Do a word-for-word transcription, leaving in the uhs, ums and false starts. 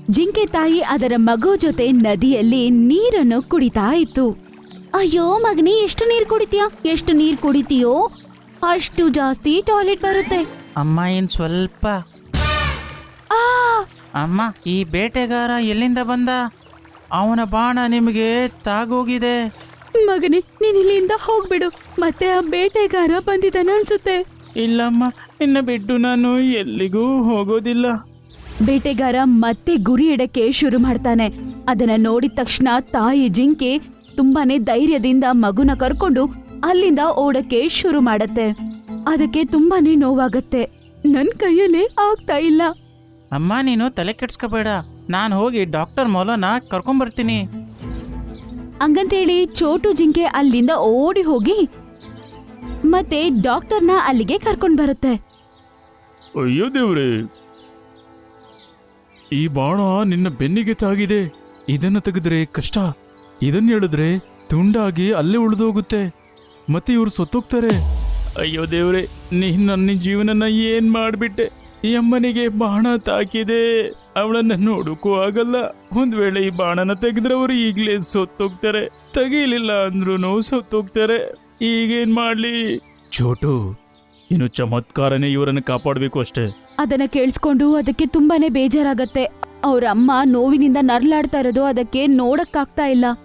ಜಿಂಕೆ ತಾಯಿ ಅದರ ಮಗು ಜೊತೆ ನದಿಯಲ್ಲಿ ನೀರನ್ನು ಕುಡಿತಾ ಇತ್ತು. ಅಯ್ಯೋ ಮಗನೇ, ಎಷ್ಟು ನೀರ್ ಕುಡಿತೀಯ? ಎಷ್ಟು ನೀರ್ ಕುಡಿತೀಯೋ ಅಷ್ಟು ಜಾಸ್ತಿ ಟಾಯ್ಲೆಟ್ ಬರುತ್ತೆ. ಅಮ್ಮ ಇನ್ ಸ್ವಲ್ಪ. ಆ ಅಮ್ಮ, ಈ ಬೇಟೆಗಾರ ಎಲ್ಲಿಂದ ಬಂದ? ಅವನ ಬಾಣ ನಿಮಗೆ ತಾಗೋಗಿದೆ. ಮಗನೇ, ನೀನ್ ಇಲ್ಲಿಂದ ಹೋಗ್ಬಿಡು. ಮತ್ತೆ ಆ ಬೇಟೆಗಾರ ಬಂದಿದ್ದಾನ ಅನ್ಸುತ್ತೆ. ಇಲ್ಲಮ್ಮ, ನಿನ್ನ ಬಿಟ್ಟು ನಾನು ಎಲ್ಲಿಗೂ ಹೋಗೋದಿಲ್ಲ. ಬೇಟೆಗಾರ ಮತ್ತೆ ಗುರಿ ಇಡಕ್ಕೆ ಶುರು ಮಾಡ್ತಾನೆ. ಅದನ್ನ ನೋಡಿದ ತಕ್ಷಣ ತಾಯಿ ಜಿಂಕೆ ತುಂಬಾನೇ ಧೈರ್ಯದಿಂದ ಮಗುನ ಕರ್ಕೊಂಡು ಅಲ್ಲಿಂದ ಓಡಕ್ಕೆ ಶುರು ಮಾಡತ್ತೆ. ಅದಕ್ಕೆ ತುಂಬಾನೇ ನೋವಾಗತ್ತೆ. ನನ್ ಕೈಯಲ್ಲೇ ಆಗ್ತಾ ಇಲ್ಲ. ಅಮ್ಮ, ನೀನು ತಲೆ ಕೆಡ್ಸ್ಕೋಬೇಡ, ನಾನು ಹೋಗಿ ಡಾಕ್ಟರ್ ಮೊಲನ ಕರ್ಕೊಂಬರ್ತೀನಿ. ಹಂಗಂತೇಳಿ ಚೋಟು ಜಿಂಕೆ ಅಲ್ಲಿಂದ ಓಡಿ ಹೋಗಿ ಮತ್ತೆ ಡಾಕ್ಟರ್ನ ಅಲ್ಲಿಗೆ ಕರ್ಕೊಂಡ್ ಬರುತ್ತೆ. ಅಯ್ಯೋ ದೇವ್ರೆ, ಈ ಬಾಣ ನಿನ್ನ ಬೆನ್ನಿಗೆ ತಾಗಿದೆ. ಇದನ್ನ ತೆಗೆದ್ರೆ ಕಷ್ಟ, ಇದನ್ನ ಹೇಳಿದ್ರೆ ತುಂಡಾಗಿ ಅಲ್ಲೇ ಉಳಿದೋಗುತ್ತೆ, ಮತ್ತೆ ಇವ್ರು ಸತ್ತೋಗ್ತಾರೆ. ಅಯ್ಯೋ ದೇವ್ರೆ, ನೀನ್ ನನ್ನ ಜೀವನನ ಏನ್ ಮಾಡ್ಬಿಟ್ಟೆ. ಈ ಅಮ್ಮನಿಗೆ ಬಾಣ ತಾಕಿದೆ, ಅವಳನ್ನ ನೋಡಕ್ಕೂ ಆಗಲ್ಲ. ಒಂದ್ ವೇಳೆ ಈ ಬಾಣನ ತೆಗೆದ್ರೆ ಅವರು ಈಗ್ಲೇ ಸತ್ತೋಗ್ತಾರೆ, ತೆಗೀಲಿಲ್ಲ ಅಂದ್ರೂ ಸತ್ತೋಗ್ತಾರೆ. ಈಗೇನ್ ಮಾಡ್ಲಿ? ಚೋಟು, ಇನ್ನು ಚಮತ್ಕಾರನೇ ಇವರನ್ನು ಕಾಪಾಡಬೇಕು ಅಷ್ಟೇ. ಅದನ್ನ ಕೇಳಿಸ್ಕೊಂಡು ಅದಕ್ಕೆ ತುಂಬಾನೇ ಬೇಜಾರಾಗತ್ತೆ. ಅವ್ರ ಅಮ್ಮ ನೋವಿನಿಂದ ನರ್ಲಾಡ್ತಾ ಇರೋದು ಅದಕ್ಕೆ ನೋಡಕ್ಕಾಗ್ತಾ ಇಲ್ಲ.